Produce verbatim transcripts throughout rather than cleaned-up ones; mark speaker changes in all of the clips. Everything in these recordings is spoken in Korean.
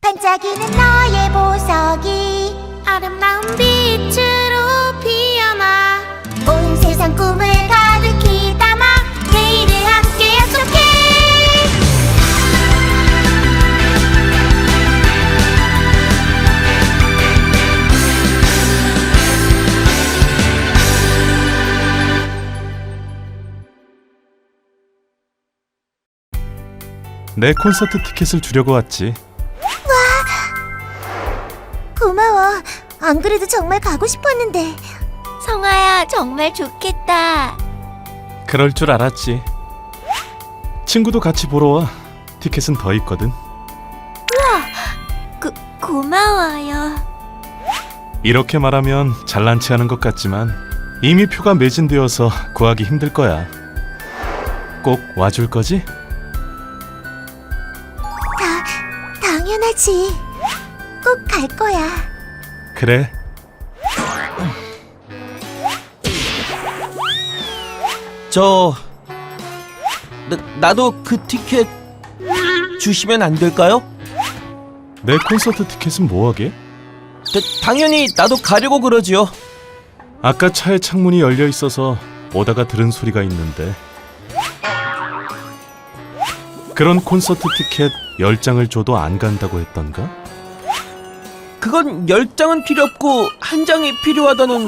Speaker 1: 반짝이는 너의 보석이 아름다운 빛으로 피어나 온 세상 꿈을 가득히 담아 내일을 함께 약속해.
Speaker 2: 내 콘서트 티켓을 주려고 왔지.
Speaker 1: 고마워. 안 그래도 정말 가고 싶었는데.
Speaker 3: 성아야, 정말 좋겠다.
Speaker 2: 그럴 줄 알았지. 친구도 같이 보러 와. 티켓은 더 있거든.
Speaker 3: 고, 고마워요.
Speaker 2: 이렇게 말하면 잘난 체 하는 것 같지만 이미 표가 매진되어서 구하기 힘들 거야. 꼭 와줄 거지?
Speaker 1: 다, 당연하지. 꼭 갈 거야.
Speaker 2: 그래.
Speaker 4: 저... 나, 나도 그 티켓 주시면 안 될까요?
Speaker 2: 내 콘서트 티켓은 뭐하게?
Speaker 4: 다, 당연히 나도 가려고 그러지요.
Speaker 2: 아까 차에 창문이 열려 있어서 오다가 들은 소리가 있는데. 그런 콘서트 티켓 열 장을 줘도 안 간다고 했던가?
Speaker 4: 그건 열 장은 필요 없고 한 장이 필요하다는...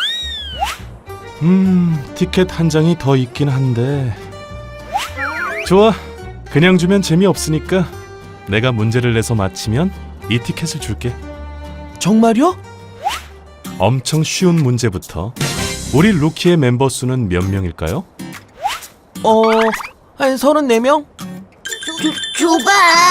Speaker 2: 음... 티켓 한 장이 더 있긴 한데... 좋아. 그냥 주면 재미없으니까 내가 문제를 내서 맞히면 이 티켓을 줄게.
Speaker 4: 정말요?
Speaker 2: 엄청 쉬운 문제부터. 우리 루키의 멤버 수는 몇 명일까요?
Speaker 4: 어... 한 서른네 명?
Speaker 1: 줘봐.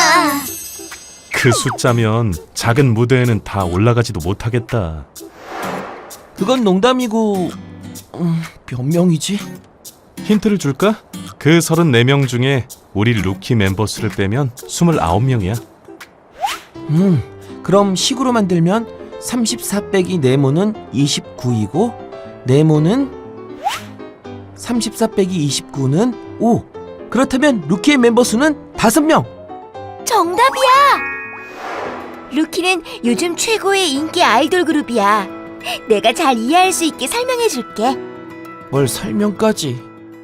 Speaker 2: 그 숫자면 작은 무대에는 다 올라가지도 못하겠다.
Speaker 4: 그건 농담이고... 음... 몇 명이지?
Speaker 2: 힌트를 줄까? 그 서른네 명 중에 우리 루키 멤버 수를 빼면 스물아홉 명이야.
Speaker 4: 음... 그럼 식으로 만들면 삼십사 빼기 네모는 이십구이고 네모는 삼십사 빼기 이십구는 오. 그렇다면 루키의 멤버 수는 다섯 명.
Speaker 3: 정답이야! 루키는 요즘 최고의 인기 아이돌 그룹이야. 내가 잘 이해할 수 있게 설명해줄게.
Speaker 4: 뭘 설명까지.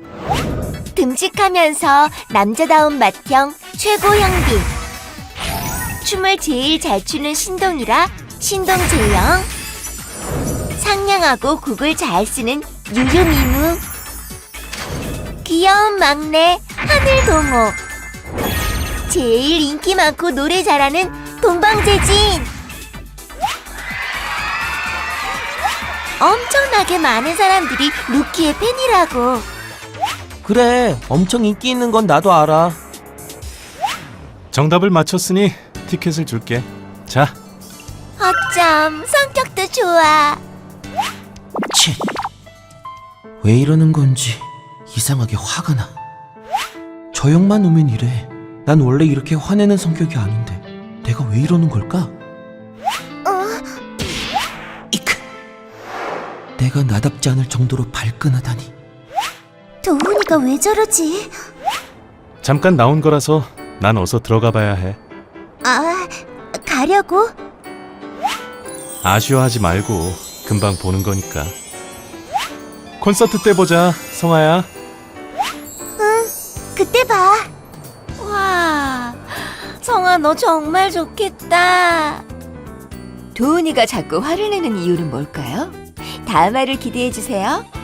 Speaker 3: 듬직하면서 남자다운 맏형 최고 형빈. 춤을 제일 잘 추는 신동이라 신동재영. 상냥하고 곡을 잘 쓰는 유유미무. 귀여운 막내 하늘동호. 제일 인기 많고 노래 잘하는 동방재진. 엄청나게 많은 사람들이 루키의 팬이라고.
Speaker 4: 그래, 엄청 인기 있는 건 나도 알아.
Speaker 2: 정답을 맞췄으니 티켓을 줄게. 자,
Speaker 3: 어쩜 성격도 좋아.
Speaker 4: 치. 왜 이러는 건지 이상하게 화가 나. 저 형만 오면 이래. 난 원래 이렇게 화내는 성격이 아닌데 내가 왜 이러는 걸까? 이크. 내가 나답지 않을 정도로 발끈하다니.
Speaker 1: 도훈이가 왜 저러지?
Speaker 2: 잠깐 나온 거라서 난 어서 들어가 봐야 해.
Speaker 1: 아, 가려고?
Speaker 2: 아쉬워하지 말고 금방 보는 거니까. 콘서트 때 보자, 성아야.
Speaker 1: 그때 봐.
Speaker 3: 와, 성아 너 정말 좋겠다. 도훈이가 자꾸 화를 내는 이유는 뭘까요? 다음 화를 기대해 주세요.